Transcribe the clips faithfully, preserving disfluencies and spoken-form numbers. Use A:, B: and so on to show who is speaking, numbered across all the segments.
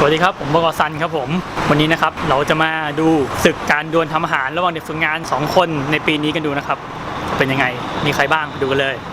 A: วัสดีครับผมบก.ซันครับผมวันนี้นะครับเราจะมาดูศึกการดวลทำอาหารระหว่างเด็กฝึกงานสองคนในปีนี้กันดูนะครับเป็นยังไงมีใครบ้างดูกันเลย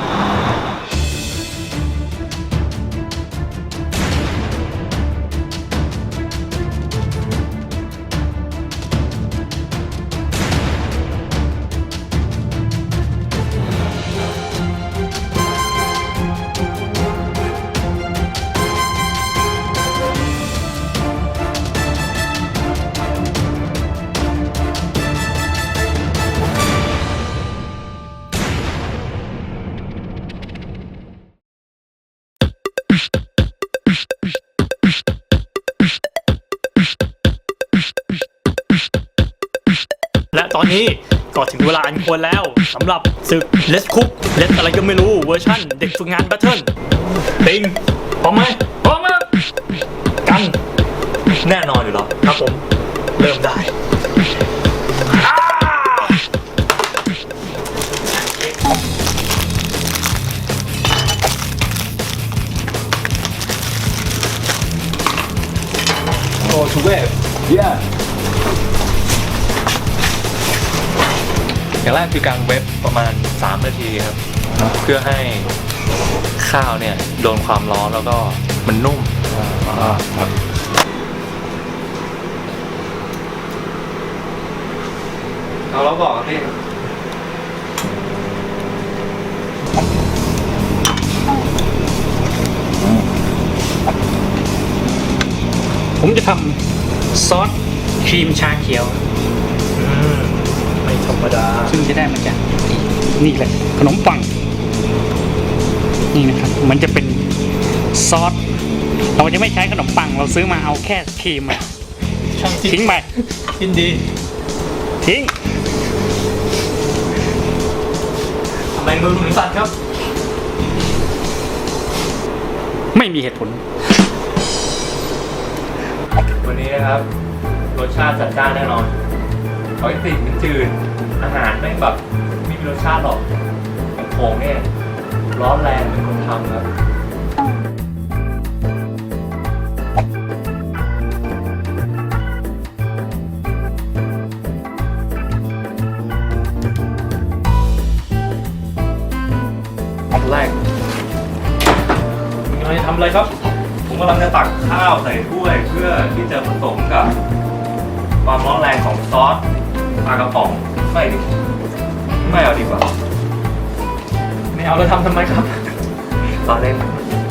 A: และตอนนี้ก็ถึงเวลาอันควรแล้วสำหรับศึก Let's Cook Let's อะไรก็ไม่รู้เวอร์ชั่นเด็กฝึกงาน Battle ติงพร้อมไหมพร้อมครับกันแน่นอนอยู่แล้วครับผมเริ่มได้
B: โอ้ชูเว็บเย้อย่างแรกคือกางเว็บประมาณสามนาทีครับเพื่อให้ข้าวเนี่ยโดนความร้อนแล้วก็มันนุ่มครับเอาแล้วบอกพี่
A: ผมจะทำซอสครีมชาเขียวไม่ธรรมดาซึ่งจะได้มาจากนี่เลยขนมปังนี่นะครับมันจะเป็นซอสเราจะไม่ใช้ขนมปังเราซื้อมาเอาแค่ครีมอะทิ้งไปทิ้งดีทิ้งทำไมมือถึงสั่นครับไม่มีเหตุผล
B: วันนี้นะครับรสชาติจัดจ้านแน่นอนปกติมันจืดอาหารไม่แบบไม่มีรสชาติหรอกของผมเนี่ยร้อนแรงเป็นคนทำครับแรกกำลังจะทำอะไรครับผมกำลังจะตักข้าวใส่ถ้วยเพื่อที่จะผสมกับความร้อนแรงของซอสปลากระป๋องไม่ดิไม่เอาดีกว่าไม่เอาแล้วทำทำไมครับตอนเล่น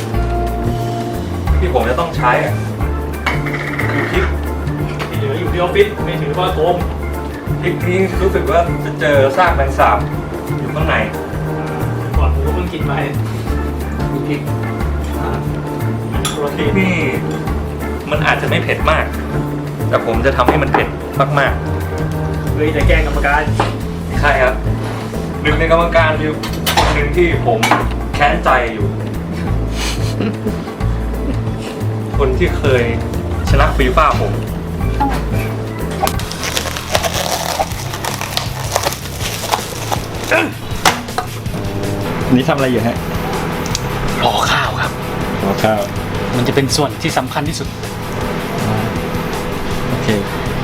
B: ที่ผมจะต้องใช้คือพริกที่เหลืออยู่ที่ออฟฟิศไม่ถือว่าโกงพริกนี้รู้สึกว่าจะเจอซากแมงสาบอยู่ข้างในก่อนผมก็เพิ่งกินไปพริกพริกนี่มันอาจจะไม่เผ็ดมากแต่ผมจะทำให้มันเผ็ดมากๆเลยจะแกล้งกรรมการใช่ครับหนึ่งในกรรมการมีคนหนึ่งที่ผมแค้นใจอยู่ คนที่เคยชนะฟีฟ่าผม
C: นี่ทำอะไรอยู่ฮะ
A: รอข้าวครับ
C: รอข้าว
A: มันจะเป็นส่วนที่สำคัญที่สุด
C: โอเค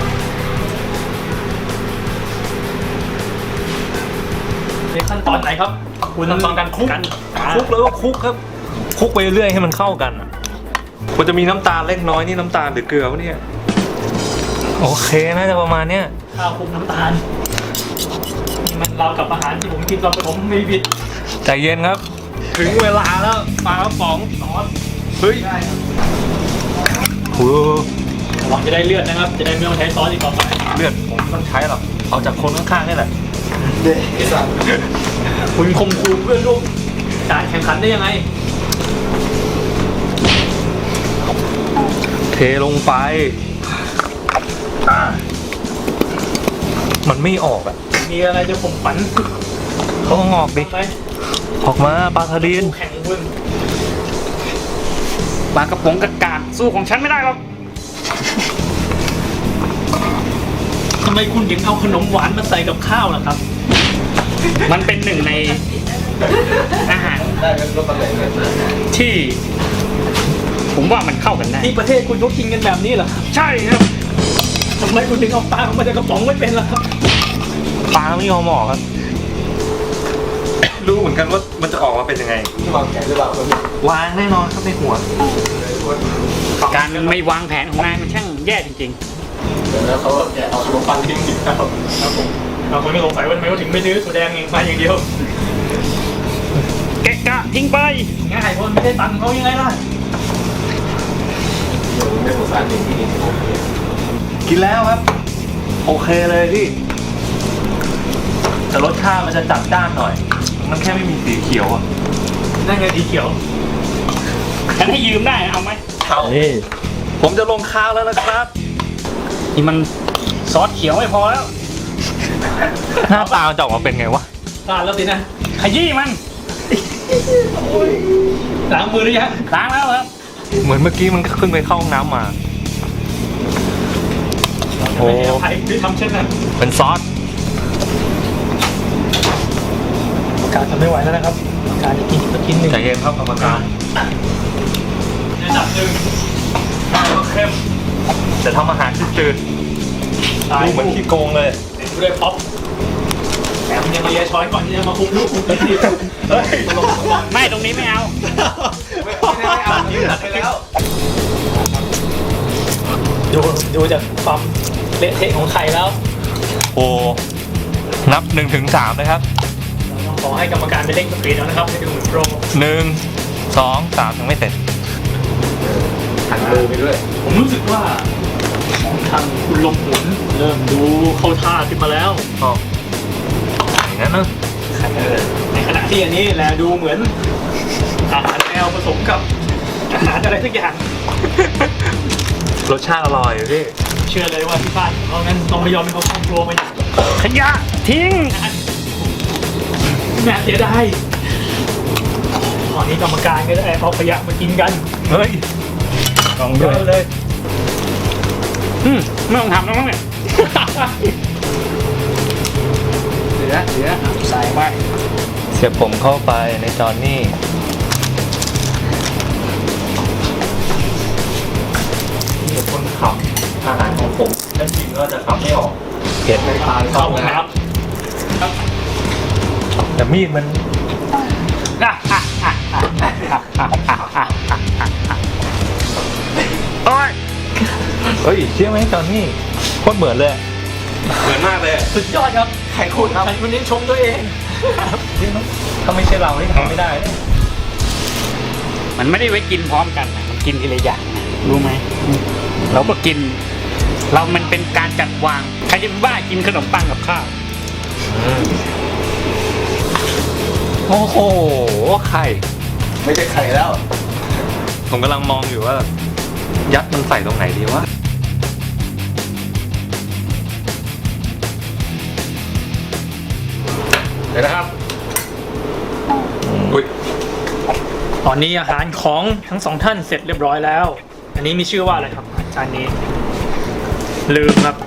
A: ในขั้นตอนไหนครับคุณขั้นตอนการคลุก
B: คลุกแล้วก็คลุกครับคลุกไปเรื่อยให้มันเข้ากันควรจะมีน้ำตาลเล็กน้อยนี่น้ำตาลหรือเกลือวะเนี่ยโอเคน่าจะประมาณเนี้ย
A: ข้าวคลุกน้ำตาลนี่มันเรากับอาหารที่ผมกินตอนผมไม่ผิด
B: ใจเย็นครับถึงเวลาแล้วปลากระป๋องซอสเฮ้ยโอ้
A: หวังจะได้เลือดนะครับจะได้ไม่ต้องใช้ซอสอีกต่อไป
B: เลือดผมไม่ต้องใช้หรอกเอาจากคนข้างๆนี่แหละเด็ก
A: คุณคมคูเพื่อนร่วมการแข่งขันได้ยังไง
B: เทลงไปมันไม่ออกอ่ะ
A: มีอะไรจะผมฝัน
B: เขางอกดิออกมาปลาทะเล
A: แข่งคุณปลากระป๋องกระกาดสู้ของฉันไม่ได้หรอกทำไมคุณถึงเอาขนมหวานมาใส่กับข้าวล่ะครับมันเป็นหนึ่งใน อาหารที่
C: ผมว่ามันเข้ากันได้
A: ที่ประเทศคุณเขากินกันแบบนี้เหรอ
C: ใช่ครับ
A: ทำไมคุณถึงเอาปลาออกมาจากกระป๋องไม่เป็นล่ะครับ
B: ปลาไม่ยอมออกครับ รู้เหมือนกันว่ามันจะออกมาเป็นยังไง
D: วางแผนหรือเปล่าว
B: างแน่นอนครับในหัว
C: การไม่วางแผนของนายมันช่างแย่จริง
D: แล้วเขาก็แกะเอาขนมปังทิ้งอีกครับ
A: ครับผมเราคนก็สงสัยว่าทำไมเขาถึงไม่ซื้อถั่วแดงเองมาอย่างเดียว
C: ๆ แกะกะทิ้งไป
A: ง่ายเพราะมันไม่ได้ตังค์เขายังไงล่ะ
D: ไม่สงสารเด็กที่นี่
B: กินแล้วครับ โอเคเลยพี่แต่รสชาติมันจะจัดจ้านหน่อย มันแค่ไม่มีสีเขียวอ่ะ
A: นั่นไงสีเขียว
C: ฉันให้ยืมได้เอาไหม
B: เอาผมจะลงข้าวแล้วนะครับ
C: นี่มันซอสเขียวไม่พอแล้ว
B: หน้าตามันจะออกมาเป็นไงวะ
A: พลาดแล้วสินะ
C: ขยี้มัน
A: ล้างมือหรือยัง
C: ล้างแล้วครับ
B: เหมือนเมื่อกี้มันเพิ่งไปเข้าห้องน้ำมา โอ้
A: ไม่ให้อภัยที่ทำเช่นนั้น
B: เป็นซอส
A: การทำไม่ไหวแล้วนะครับ การจะกินอีกสักชิ้นหนึ่ง
B: ใจเย็นครับกรรมการ
A: ในอันดับหนึ่งข้าวเข้ม
B: จะทำอาหารที่จืดดูเหมือนขี้โกงเลย
A: เต็มด้วยพ็อปแถมยังมาเลียช้อยก่อนที่จะมาคุมลูกคุมทีเฮ้ย
C: ไม่ตรงนี้ไม่เอา
D: ไม่ได้ไม่เอายืดไปแล้ว
A: ดูดูจากความเละเทะของไข่แล้ว
B: โอ้ นับหนึ่งถึงสามเลยครับ
A: ขอให้กรรมการไปเร่งสปีดแล้วนะครับให้ดูเหมือนโปร
B: หนึ่ง สอง สามยังไม่เสร็จ
D: หันมือไปด้วย
A: ผมรู้สึกว่าของทางคุณลมหุนเริ่มดูเข้าท่าขึ้นมาแล้ว
B: อ๋ออย่างนั้นนะ
A: ในขณะที่อันนี้แลดูเหมือนอาหารแมวผสมกับอาหารอะไรสักอย่าง
B: รสชาติอร่อยอยู่พี่
A: เชื่อเลยว่าที่บ้านของเขานั้นต้องไม่ยอมให้เขาเข้าครัวมาอย่าง
C: ขยะทิ้ง
A: น่าเสียดายตอนนี้กรรมการก็ได้เอาขยะมากินกัน
B: เฮ้ย
A: ลองเยอะเลย
C: อืมไม่ต้องทำแล้วมั้งเนี่ย
D: เหลือเหลือ
C: ใส่ไป
B: เสียบผมเข้าไปในจอนนี่
A: เหตุผลขับอาหารของผมและจริงก็จะขับไม่ออก
B: เผ็ด
D: ในทาง
A: เข้า
D: เข้า
A: ห้อง
D: นะ
A: น้ำครับ
B: แต่มีดมัน
C: อ่ะอ่ะอ่ะอ่ะอ่ะอ่ะอ่ะอ่ะอ่ะอ่ะโอ้ย
B: เฮ้ยเชื่อไหมจอนนี่โคตรเหมือนเลย เหมือนมากเลย
A: สุดยอดครับ
D: ใครคูดครับ
A: ใครคนนี้ชมตัวเอง
B: ถ้าไม่ใช่เรานี่ทำไม่ได้นะ
C: มันไม่ได้ไว้กินพร้อมกันนะมันกินทีละอย่างนะรู้ไหมเราก็กิน เรามันเป็นการจัดวางใครจะไปบ้ากินขนมปังกับข้าว
B: โอ้โห ไข่
D: ไม่ใช่ไข่แล้ว
B: ผมกำลังมองอยู่ว่า ยัดมันใส่ตรงไหนดีวะ
D: เดี๋ยวนะครับ
B: อุ้ย
A: ตอนนี้อาหารของทั้งสองท่านเสร็จเรียบร้อยแล้ว อันนี้มีชื่อว่าอะไรครับจานนี้ ลืมครับ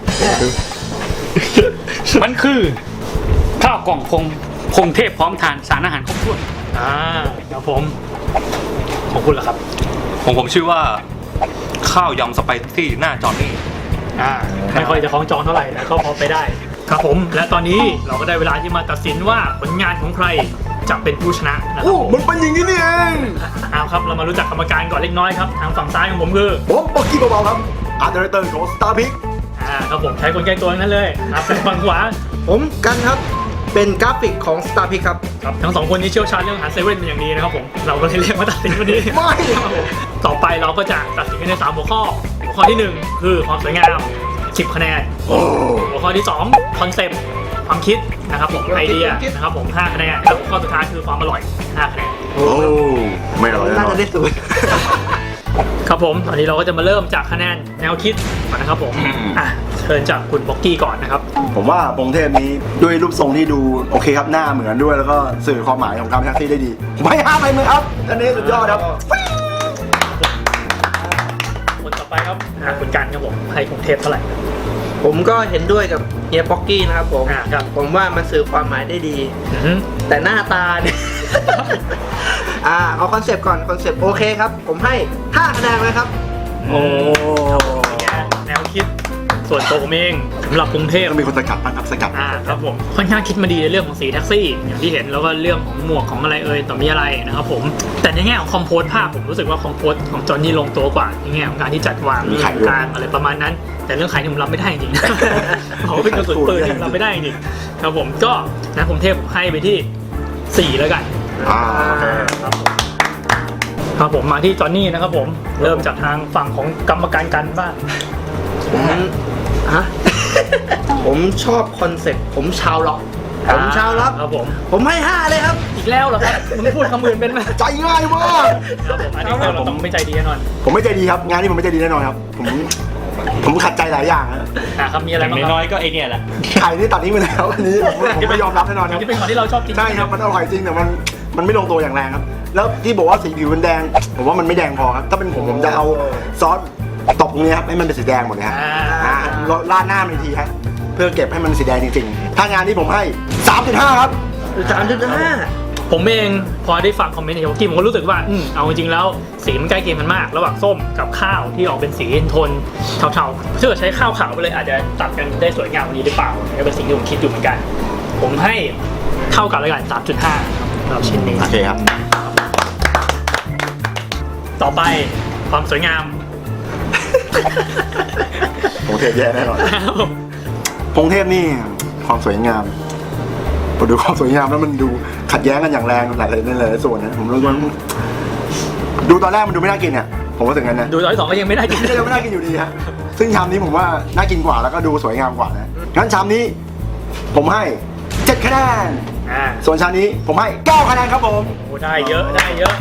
C: มันคือข้าวกล่องพงพงเทพพร้อมทานสารอาหารครบถ้วน
A: อ่าครับผม ของคุณล่ะครับ
B: ผมผมชื่อว่า ข้าวยำสไปซี่หน้าจอนนี่
A: อ่าไม่ค่อยจะคล้องจองเท่าไหร่แต่ก็พอไปได้ ครับผม และตอนนี้เราก็ได้เวลาที่มาตัดสินว่าผลงานของใครจะเป็นผู้ชนะนะครับ
D: โอ้มันเป็นอย่างนี้นี่เอง
A: เอาครับเรามารู้จักกรรมการก่อนเล็กน้อยครับทางฝั่งซ้ายของผมคือ
D: ผมปอกกี้เบาๆครับ อาร์ตเดเตอร์ของสตาร์พิก
A: อ่าครับผมใช้คนใกล้ตัวทั้งนั้นเลยครับทางฝั่งขวา
E: ผมกันครับ เป็นกราฟิกของ Star Pick ครับ
A: ครับทั้งสองคนนี้เชี่ยวชาญเรื่องอาหารเซเว่นเป็นอย่างดีนะครับผมเราก็เลยเรียกมาตัดสินวันนี้
E: ไม่
A: ครับผมต่อไปเราก็จะตัดสินกันในสามหัวข้อหัวข้อที่หนึ่งคือความสวยงามสิบคะแนนหัวข้อที่สองคอนเซปต์ความคิดนะครับผมไอเดียนะครับผมห้าคะแนนแล้วหัวข้อสุดท้ายคือความอร่อยห้าคะแนน
D: โอ้ไม่อร่อยแน่
E: น่าน
D: อ
E: จะ
D: น
E: ได้ศูนย์
A: ครับผมตอนนี้เราก็จะมาเริ่มจากคะแนนแนวคิดก่อนนะครับผมอ่ะเชิญจากคุณบ็อกกี้ก่อนนะครับ
D: ผมว่าปงเทพนี้ด้วยรูปทรงที่ดูโอเคครับหน้าเหมือนด้วยแล้วก็สื่อความหมายของคำแท็กซี่ได้ดีผมให้ห้าไปมือครับอันนี้สุดยอดครับ
A: คนต่อไปครับอ่ะคุณกันครับผมให้กรุงเทพเท่าไหร่
E: ผมก็เห็นด้วยกับเฮียป๊อกกี้นะครับผม
A: อ่าครับ
E: ผมว่ามันสื่อความหมายได้ดี
A: อือฮึ
E: แต่หน้าตาเนี่ย อ่าเอาคอนเซปต์ก่อนคอนเซปต์โอเคครับ ผมให้ห้าคะแนนเลยครับ
D: โอ้
A: แนวคิดส่วนตัวผมเองสำหรับกรุงเทพ
D: ต้องมีคนสกัดบ้างครับสกัด
A: อ่าครับผมค่อนข้างคิดมาดีในเรื่องของสีแท็กซี่อย่างที่เห็นแล้วก็เรื่องของหมวกของอะไรเอ่ยต่อมีอะไรนะครับผมแต่ในแง่ของคอมโพสภาพผมรู้สึกว่าคอมโพสของจอห์นนี่ลงตัวกว่าในแง่ของการที่จัดวางเรื่องกลางอะไรประมาณนั้น แต่เรื่องขายนี่ผมรับไม่ได้จริงๆนะเขาเป็นกระสุนปืนที่ผมรับไม่ได้จริงๆครับผมก็นะผมเทพให้ไปที่สี่แล้วกัน
D: อ่าโอเค
A: ครับผมครับผมมาที่จอห์นนี่นะครับผมเริ่มจากทางฝั่งของกรรมการกันบ้าง
E: ผมฮะ ผมชอบคอนเซ็ปต์ผมชาวล็อกผมชาวล็อก
A: ครับผม
E: ผมให้ห้าเลยครับ
A: อีกแล้วเหรอครับมึงพูดคำอื่นเป็นไหม
D: ใจง่ายมาก
A: ครับผมอันนี้เราต้องไม่ใจดีแน่นอน
D: ผมไม่ใจดีครับ งานนี้ผมไม่ใจดีแน่นอนครับ ผมผมขัดใจหลายอย่างนะ
A: อ่าครับมีอะไรบ้างค
B: น้
A: รั
B: อยๆก็ไอเนี่ยแหละ
D: ไข่นี่ตัดทิ้งไปแล้วอันนี้ผมผมไม่ยอมรับแน่นอนครับ
A: ที่เป็นของที่เราชอบกิน
D: ใช่ครับมันอร่อยจริงแต่มันมันไม่ลงตัวอย่างแรงครับ แล้วที่บอกว่าสีผิวมันแดง ผมว่ามันไม่แดงพอครับ ถ้าเป็นผมผมจะเอาซอสตบตรงนี้ครับให้มันเป็นสีแดงหมดเลยครับ
A: อ่า
D: อ่าราดหน้ามันอีกทีครับเพื่อเก็บให้มันสีแดงจริงๆ ถ้างานนี้ผมให้สามจุดห้าครับ
E: สามจุดห้า
A: ผมเองพอได้ฟังคอมเมนต์ในของกิมผมก็รู้สึกว่าอืมเอาจริงๆแล้วสีมันใกล้เคียงกันมาก ระหว่างส้มกับข้าวที่ออกเป็นสีโทนเทาๆถ้าเกิดใช้ข้าวขาวไปเลยอาจจะตัดกันได้สวยงามกว่านี้หรือเปล่านี่ก็เป็นสิ่งที่ผมคิดอยู่เหมือนกัน ผมให้เท่ากันแล้วกัน สามจุดห้า ครับสำหรับชิ้นนี้
D: โอเคครับ
A: ต่อไปความสวยงาม
D: ผมเทพแย่แน่นอนพงเทพนี่ความสวยงามพอดูความสวยงามแล้วมันดูขัดแย้งกันอย่างแรงหลายๆในหลายๆส่วนนะผมรู้สึกว่าดูตอนแรกมันดูไม่น่ากินเนี่ยผมว่าถึงกันนะ
A: ดูตอนที่สองก็ยังไม่ได้กิน
D: ก็ยังไม่น่ากินอยู่ดีฮะซึ่งชามนี้ผมว่าน่ากินกว่าแล้วก็ดูสวยงามกว่านะงั้นชามนี้ผมให้เจ็ดคะแนน
A: อ่า
D: ส่วนชามนี้ผมให้เก้าคะแนนครับผม
A: โอ้ได้เยอะได้เยอะ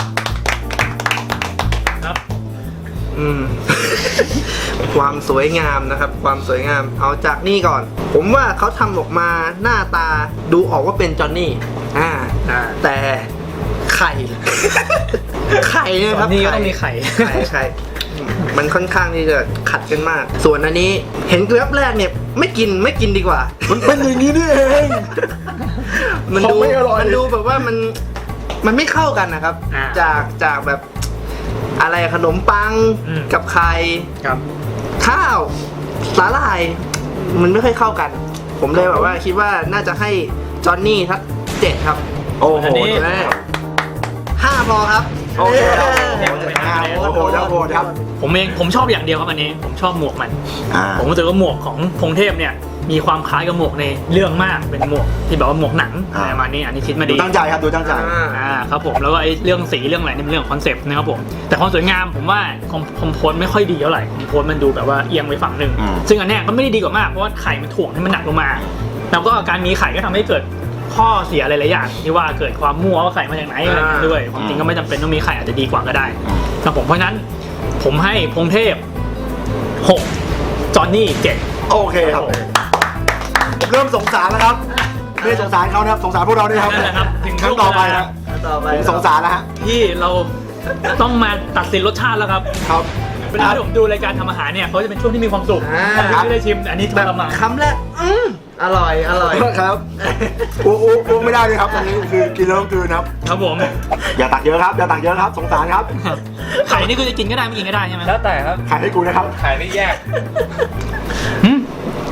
A: ครับ
E: อืม ความสวยงามนะครับ ความสวยงามเอาจากนี่ก่อน ผมว่าเขาทำออกมาหน้าตาดูออกว่าเป็นจอห์นนี่อ่า
A: อ่า
E: แต่ไข่ ไข่เนี่ยครับ
A: นี่ก็ต้องมีไข่
E: ไข่ไข่มันค่อนข้างที่จะขัดกันมาก ส่วนอันนี้เห็นแวบแรกเนี่ยไม่กินไม่กินดีกว่า
D: มันเป็นอย่างนี้นี่เอง
E: มัน
D: ของ
E: ดู
D: ไม่อร่อย
E: มันดูแบบว่ามันมันไม่เข้ากันนะครับ
A: อ่า
E: จากจากแบบอะไรขนมปัง
A: อืม
E: กับไข่
A: ครับ
E: ข้าวสาหร่าย มันไม่ค่อยเข้ากัน ผมเลยแบบว่าคิดว่าน่าจะให้จอห์นนี่ทักเจ็ดครับ
D: โอ้โห
A: อันนี้
E: แม่ห้าพอครับ
D: โอเคครับ
E: เย้
D: โอ้โหโอ้โหครับโอ้โหครับ
A: ผมเองผมชอบอย่างเดียวครับอันนี้ ผมชอบหมวกมัน
D: อ่า
A: ผมรู้สึกว่าหมวกของพงเทพเนี่ยมีความคล้ายกับหมวกในเรื่องมากเป็นหมวกที่แบบว่าหมวกหนังอะไรประมาณนี้อันนี้คิดมา
D: ดู
A: ดี
D: ตั้งใจครับดูตั้งใจ
E: อ่า
A: อ่าครับผมแล้วก็ไอ้เรื่องสีเรื่องอะไรนี่เป็นเรื่องของคอนเซปต์นะครับผมแต่ความสวยงามผมว่าคอมคอมโพสไม่ค่อยดีเท่าไหร่คอมโพสมันดูแบบว่าเอียงไปฝั่งหนึ่ง
D: อืม
A: ซึ่งอันเนี้ยก็ไม่ได้ดีกว่ามากเพราะว่าไข่มันถ่วงให้มันหนักลงมา แล้วก็การมีไข่ก็ทำให้เกิดข้อเสียหลายๆอย่างที่ว่าเกิดความมั่วว่าไข่มาจากไหนอะไรอย่างเงี้ยด้วยความจริงก็ไม่จำเป็นต้องมีไข่อาจจะดีกว่าก็ได้ครับผมเพราะฉะนั้นผมให้พงเทพหกจอห์นนี่เจ็ด
D: โอเคครับผมเริ่มสงสารแล้วครับไม่ได้สงสารเขานะครับสงสารพวกเราด้วยครับ
A: นั่นแหละครับถึง
D: ครั้งต่อไปครับ
E: ต่อไป
D: ผมสงสารแล้วฮะ
A: ที่เราต้องมาตัดสินรสชาติแล้วครับ
D: ครับ
A: เวลาที่ผมดูรายการทำอาหารเนี่ยเขาจะเป็นช่วงที่มีความสุข
E: อ่า
A: ผมไม่ได้ชิมอันนี้ท
E: แบบ
A: รมาน
E: คำแรกอืมอร่อยอร่อย
D: ครับอ้วกอ้วกอ้วกไม่ได้เลยครับอันนี้คือกินแล้วต้องกลืนครับ
A: ครับผม
D: อย่าตักเยอะครับอย่าตักเยอะครับสงสารครับ
A: ไข่นี่คือจะกินก็ได้ไม่กินก็ได้ใช่ไหม
B: แล้วแต่ครับ
D: ขายให้กูนะครับ
B: ขายไม่แยก
A: หืม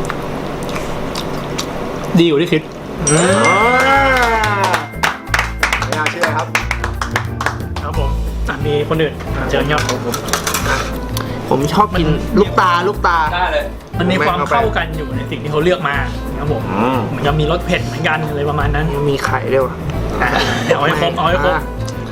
A: ดีอยู่ที่คิด
D: อ่าไม่น่าเชื่อครับ
A: ครับผมอ่ะมีคนอื่นเจอเนาะ
E: ผมชอบกินลูกตาลูกตา
B: ได้เลย
A: มันมีความเข้ากันอยู่ในสิ่งที่เขาเลือกมาครับผม
D: อืม
A: เหมือนกับมีรสเผ็ดเหมือนกันอะไรประมาณนั้น
E: มีไข่ด้วยวะ
A: อ่ะเอาให้ครบเอาให้ครบ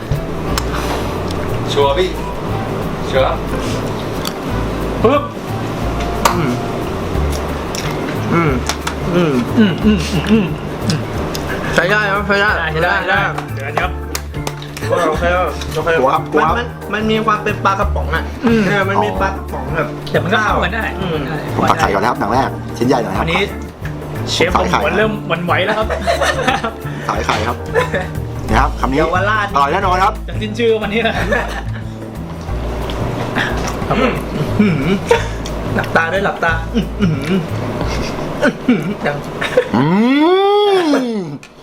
B: ชัวร์พี่ ชัวร์
A: ปึ๊บ
E: อืมอืมอืม
A: อืมอืมอืมอืม
E: ใช้ได้ครับใช้ได้
A: ได้ได้ได้เดี๋ยวนะครับ
E: โอเคโอเค
D: หัวครับหัว
E: มันมันมันมีความเป็นปลากระป๋องอ่ะ
A: อืม
E: เออมันมีปลากระป๋องแบบ
A: แต่มันก็เข้ากันได้
E: อืม
D: ผมตักไข่ก่อนนะครับหนังแรกชิ้นใหญ่หน่อยค
A: อั
D: รับ
A: นนี้เชฟผมหัวเริ่มหวันไหวแล้วครับ
D: สายไข่ครับนี่ครับคำนี้
E: เยาวราช
D: อร่อยแน่นอนครับ
A: จากสิ้นชื่อวันนี้นะ ครับผม
E: หืมหลับตาด้วยหลับตาอื้อหืออื้อหือดัง
D: อืม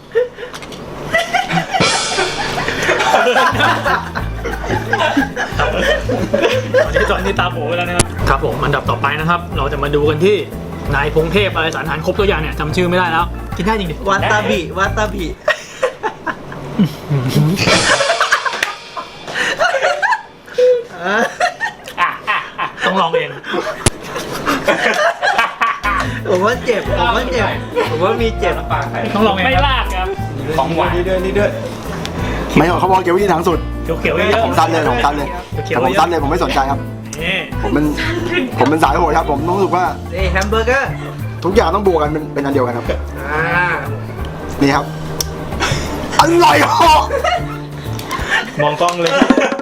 A: ตอนนี้ตอนนี้ตาโผล่ไปแล้วนะครับครับผมอันดับต่อไปนะครับ เราจะมาดูกันที่นายพงเทพอะไรสารอาหารครบตัวอย่างเนี่ยจำชื่อไม่ได้แล้ว กินได้จริงดิ
E: วาตาบิวาตาบิ
A: ต้องลองเอง
E: ผมว่าเจ็บผมว่าเจ็บผมว่ามีเจ็บ
B: ปากใคร
A: ต้องลองเอง
C: ไม่
A: ครับ
C: ลากครับ ของหวาน
B: นี่ด้วยนี่ด้วย
D: ไม่หรอกเขาบอกเกี่ยววิธีทางสุด
A: เขียวๆเยอะ
D: ผมสั้นเลยผมสั้นเลยแต่ผมสั้นเลยผมไม่สนใจครับ
A: ๆนี่
D: ผมเป็นผมเป็นสายโหดครับ ผมต้องรู้สึกว่า
E: เอ้ยแฮมเบอร์เกอร์
D: ทุกอย่างต้องบวกกันเป็นเป็นอันเดียวกันครับ
E: อ่า
D: นี่ครับอร่อยเหรอ
B: มองกล้องเลย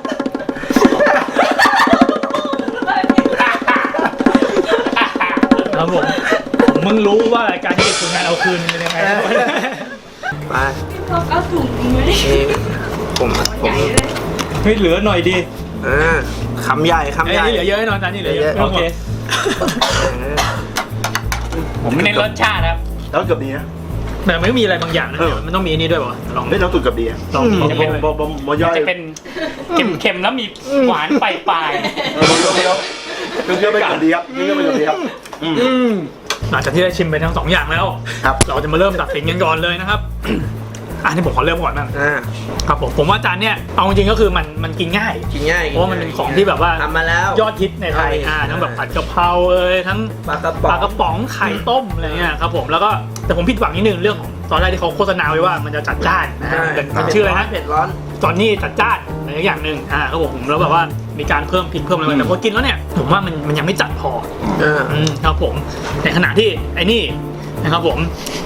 A: ครับผมผมมึงรู้ว่ารายการที่เด็กฝึกงานเอาคืนเป็นยังไง
E: ไป
F: พวกเอาถุงไว้
E: เอ้ยผมผม
F: ใหญ่เลย
B: เฮ้ยเหลือหน่อยดี
E: อ่าคำใหญ่คำ
A: ไอ้
E: ใหญ่
A: นี่เหลือเยอะแน่นอนจานนี่เหลือเยอะ
B: โอเค
E: เออ
C: ผมเน้นรสชาติครับ
D: แล้วเกือบดีนะ
A: แต่ไม่มีอะไรบางอย่างนะ
D: เออ
A: มันต้องมีอันนี้ด้วยป่ะลอง
D: ไม่แล้วตุดเกือบดีอะ
A: ลองกิน
D: บอมบอมบอมบอมย่อย
C: จะเป็นเค็มๆแล้วมีหวานปลาย
D: เออบอมเคี้ยวเคี้ยวไปเกือบดีครับเคี้ยวไปเกือบดีครับอืม
E: อืม
A: หลังจากที่ได้ชิมไปทั้งสองอย่างแล้ว
D: ครับ
A: เราจะมาเริ่มตัดสินกันก่อนเลยนะครับ อันนี้ผมขอเริ่มก่อนนะ
E: อ่า
A: ครับผมผมว่าจานเนี้ยเอาจริงๆก็คือมันมันกินง่าย
E: กินง่าย
A: เพราะว่ามันเป็นของที่แบบว่า
E: ทำมาแล้ว
A: ยอดฮิตในไทย
E: ใช่
A: อ่าทั้งแบบผัดกะเพราเอ้ยทั้ง
E: ปลากระ
A: ป
E: ป๋อง
A: ลากระป๋องไข่ต้มอะไรเงี้ยครับผมแล้วก็แต่ผมผิดหวังนิดนึงเรื่องของตอนแรกที่เขาโฆษณาไว้ว่ามันจะจัดจ้านนะฮะเป็นมันชื่ออะไรนะ
E: เผ็ดร้อน
A: ตอนนี้จัดจ้านอะไรอย่างหนึ่งอ่าครับผมแล้วแบบว่ามีการเพิ่มพริกเพิ่มอะไรมาแต่พอกินแล้วเนี่ยผมว่ามันมันยังไม่จัดพอ
E: เออ
A: อืมครับผมในขณะที่ไอ้นี่นะครับผม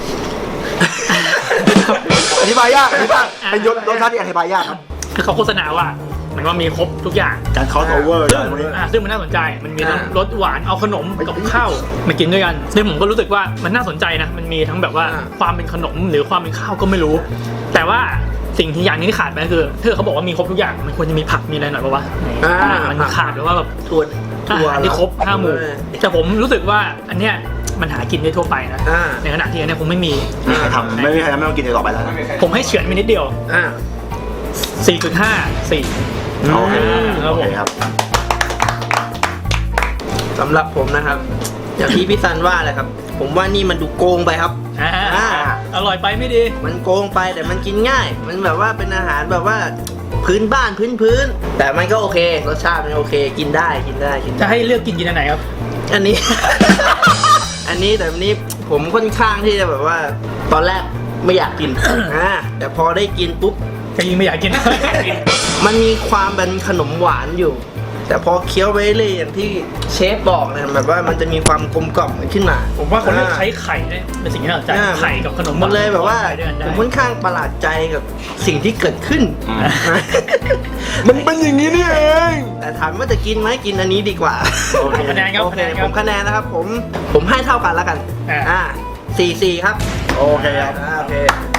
D: อธิบายยากอธิบายเป็นยศรสชาติที่อธิบายยากครับ
A: คือเขาโฆษณาว่ามันว่ามีครบทุกอย่าง
D: การ cross over
A: ซึ่
D: อะ
A: ง
D: ไรพวกนี้
A: อ่าซึ่งมันน่าสนใจมันมีทั้ง
E: อ่าร
A: สหวานเอาขนมกับข้าวมากินด้วยกันซึ่งผมก็รู้สึกว่ามันน่าสนใจนะมันมีทั้งแบบว่า
E: อ่า
A: ความเป็นขนมหรือความเป็นข้าวก็ไม่รู้ แต่ว่าสิ่งที่อย่างนี้ที่ขาดไปก็คือถ้าเขาบอกว่ามีครบทุกอย่างมันควรจะมีผักมีอะไรหน่อยป่าวะ
E: อ่า
A: อ่ามันขาดหรือว่าแบบ
E: ถั่ว
A: อา
E: ถั่ว
A: หารที่ครบห้าหมู่
E: เออ
A: แต่ผมรู้สึกว่าอันเนี้ยมันหากินได้ทั่วไปนะ
E: อ่า
A: ในขณะที่อันเนี้ยคงไม่มี
D: ไม่มีใครทำไม่มีใครทำไม่ต้องกินอีกต่อไปแล้วนะ
A: ผมให้เฉือนไปนิดเดียว
E: อ่า
A: สี่จุดห้า สี่
D: โอเค
A: ครับ
D: โอ
A: ผ
D: เค
A: ม
D: ครับ
E: สำหรับผมนะครับ อย่างที่พี่ซันว่าแหละครับ ผมว่านี่มันดูโกงไปครับ
A: อ่า
E: อ่า
A: อร่อยไปไม่ดี
E: มันโกงไปแต่มันกินง่าย มันแบบว่าเป็นอาหารแบบว่าพื้นบ้านพื้นพื้นๆแต่มันก็โอเครสชาติมันโอเค กินได้กินได้กิน
A: จะ
E: ได้
A: ให้เลือกกินกินอันไหนครับ
E: อันนี้ อันนี้แต่อันนี้ผมค่อนข้างที่จะแบบว่า ตอนแรกไม่อยากกิน อ่าแต่พอได้กินปุ๊บ
A: ก็ยิ่งไม่อยากกิน
E: มันมีความเป็นขนมหวานอยู่ แต่พอเคี้ยวไปเรื่อยอย่างที่เชฟบอกเนี่ยแบบว่ามันจะมีความกลมกล่อมขึ้นมา
A: ผมว่าเขาเลือกใช้ไข่เนี่ยเป็นสิ่งที่น่าสนใจ
E: อ่า
A: ไข่กับขนม
E: มันเลยแบบว่า
A: ไปด้วยกัน
E: ผ
A: ได้
E: มค่อนข้างประหลาดใจกับสิ่งที่เกิดขึ้น
D: มันเป็นอย่างนี้นี่เอง
E: แต่ถามว่าจะกินไหมกินอันนี้ดีกว่า
A: โอเคคะแนนครับ
E: โอ
A: คะ
E: เค
A: แนนค
E: ผ
A: รับ
E: มคะแนนนะครับ ผมผมให้เท่ากันแล้วกัน
A: อ่า
E: อ่าสี่สี่ครับ
D: โอเคครับ
E: อ่าโอเค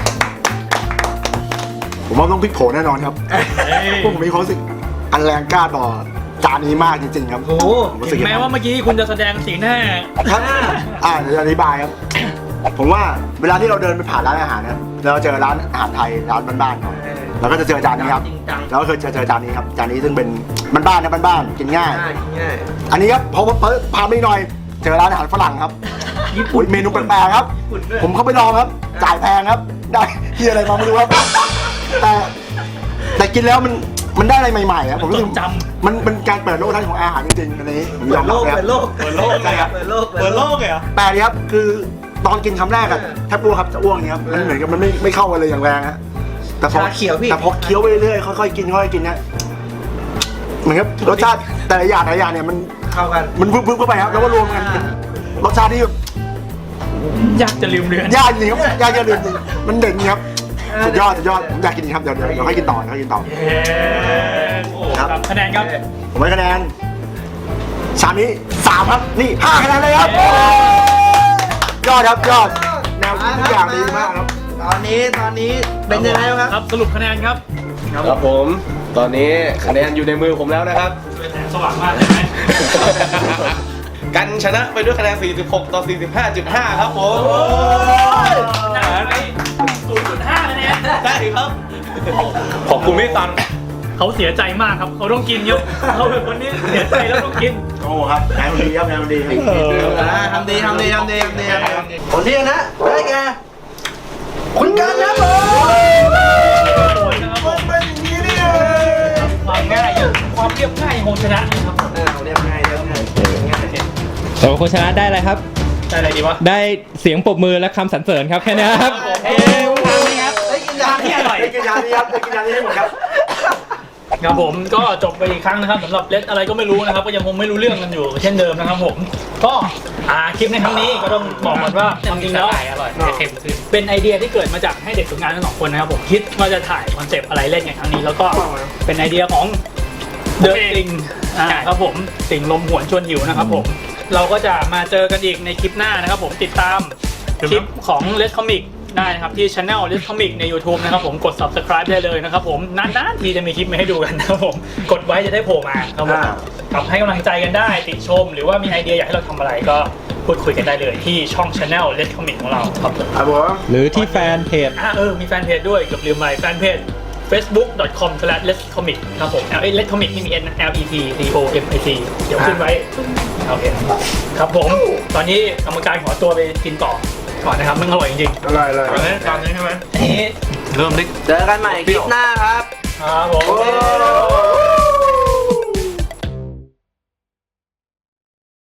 D: ผมว่าต้องพลิกโผแน่นอนครับ
A: เฮ้ย
D: พวกผมมีความรู้สึกอันแรงกล้าต่อจานนี้มากจริงๆครับ
E: โอ้โห
D: ผมรู้สึ
A: ถึ
D: ก
A: งแม้ว่าเมื่อกี้คุณจะแสดงสีหน้า
D: ครับอ่าเดี๋ยวอธิบายครับ ผมว่าเวลาที่เราเดินไปผ่านร้านอาหารนะเราเจอร้านอาหารไทยร้านบ้านๆครับเราก็จะเจอจานนี้ครับ
E: จริงจัง
D: แล้วก็เคยเจอเจอจานนี้ครับจานนี้ซึ่งเป็นบ้านๆนะบ้านๆกินง่าย
E: ง่ายง่าย
D: อันนี้ครับพอพอพาไปหน่อย เจอร้านอาหารฝรั่งครับ
E: ญี่ปุ่น
D: อุ๊ยเมนูแปลกๆครับ
E: ญี่ปุ่นด้วย
D: ผมเข้าไปลองครับ จ่ายแพงครับ ได้ที่อะไรมาไม่รู้ครับ แต่แต่กินแล้วมันมันได้อะไรใหม่ๆครับผมรู้สึก
A: จ
D: มันมันการเปิดโลกทัศน์ของอาหารจริงๆอันนี้ผมย
E: เปิ
D: อ
E: ด
D: ม
E: โล
D: รับ
E: ก
D: ครับ
E: เปิดโลก
B: เปิดโลก
D: ใช่ครับ
E: เปิดโลก
B: เปิดโลกเลยเหรอ
D: แปลกดีครับคือตอนกินคำแรกอะแทบอ้วกครับจะอ้วกอย่างเงี้ยครับมันเหมือนกับมันไม่ไม่เข้ากันเลยอย่างแรงฮะแต่พอ
E: ชาเขียวพี่
D: แต่พอเคี้ยวไปเรื่อยๆค่อยๆกินค่อยๆกินเนี่ยเหมือนกับรสชาติแต่ละอย่างแต่ละอย่างเนี่ยมัน
E: เข้ากัน
D: มันพึบๆเข้าไปครับแล้วก็รวมกันเป็นรสชาติที่แบบ
A: ำยากจะลืมเลือน
D: ยากจริงครับยากจะลืมจริงมันเด่นจริงครับสุดยอดสุดยอดผมอยากกินอีกครับเดี๋ยวเดี๋ยวเดี๋ยวให้กินต่อเดี๋ยวให้กินต่อ
A: เย้
D: ครับ
A: คะแนนครับ
D: ผมให้คะแนนชามนี้สามครับนี่ห้าคะแนนเลยครับยอดครับยอดแนวคิดทุกอย่างดีมากครับ
E: ตอนนี้ตอนนี้เป็นยังไงบ้าง
A: ค
E: ค
A: รั
E: รั
A: บบ สรุปคะแนนครับ
B: ครับผม ตอนนี้คะแนนอยู่ในมือผมแล้วนะครับ
A: แสงสว่างมากเลยไหม
E: กันชนะไปด้วยคะแนน สี่สิบหก ต่อ สี่สิบห้าจุดห้า ครับผม
A: น่าไปศูนย์จุดห้าคะแนน
E: ได้ครับ
B: ขอบคุณพี่ตัน
A: เขาเสียใจมากครับเขาต้องกินเยอะเขาเป็นคนนี้เสียใจแล้วต้องกิน
D: โอ้ครับนายมันดีครับนายมันดีครับ
E: ทำดีทำดีทำดีทำดีคนที่ชนะได้แก่คุณกันนะผม
A: โอ้ยนะครับผม
D: เป็นอย่างนี้นี่เอง
A: ความง่ายความเรียบง่ายของชนะนะครับผม
E: อ่าเรียบง่ายเรียบง่ายง่าย
F: แต่ว่าคนชนะได้อะไรครับ
A: ได้อะไรดีวะ
F: ได้เสียงปรบมือและคำสรรเสริญครับแค่นี้ครับ
A: เอ้ยทำไหมครับ
E: ได้กินยาที่อร่อย
D: ได้กินยานี้ครับได้กินยานี้ให้หมดครับ
A: ครับผมก็จบไปอีกครั้งนะครับสำหรับเลสอะไรก็ไม่รู้นะครับก็ยังคงไม่รู้เรื่องกันอยู่เช่นเดิมนะครับผมก็อ่าคลิปในครั้งนี้ก็ต้องบอกก่อนว่าจริงๆแล้ว
C: อร่อยเค็มขึ้น
A: เป็นไอเดียที่เกิดมาจากให้เด็กฝึกงานทั้งสองคนนะครับผมคิดว่าจะถ่ายคอนเซปต์อะไรเล่นกันครั้งนี้แล้วก็เป็นไอเดียของเดอะติงครับผมติงลมหวนชวนหิวนะครับผมเราก็จะมาเจอกันอีกในคลิปหน้านะครับผมติดตามคลิปของเลสคอมิกได้นะครับที่ channel Let's Comic ใน YouTube นะครับผมกด subscribe ได้เลยนะครับผมนานๆทีจะมีคลิปมาให้ดูกันนะครับผมกดไว้จะได้โผล่มาครับผม
D: อ่า
A: ครับให้กำลังใจกันได้ติชม หรือว่ามีไอเดียอยากให้เราทำอะไรก็พูดคุยกันได้เลยที่ช่อง channel Let's Comic ของเราครับผม
D: ครับผม
F: หรือที่แฟนเพจ
A: อ่าเออมีแฟนเพจด้วยเกือบลืมไปแฟนเพจ facebook dot com slash let's comic ครับผม L let's comic นี่มี N L E T C O M I C เดี๋ยวขึ้นไว้โอเคครับผมตอนนี้กรรมการขอตัวไปกินต่อก่อนนะครับมันอร่อยจริง
D: อร่อยเลย
B: ตอนนี้ตอนนี้ใช่ไหม
A: ๆเอ๊ะ
B: เริ่มได้
E: เจอกันใหม่คลิปหน้าครับ
A: ครับผม
D: โอ้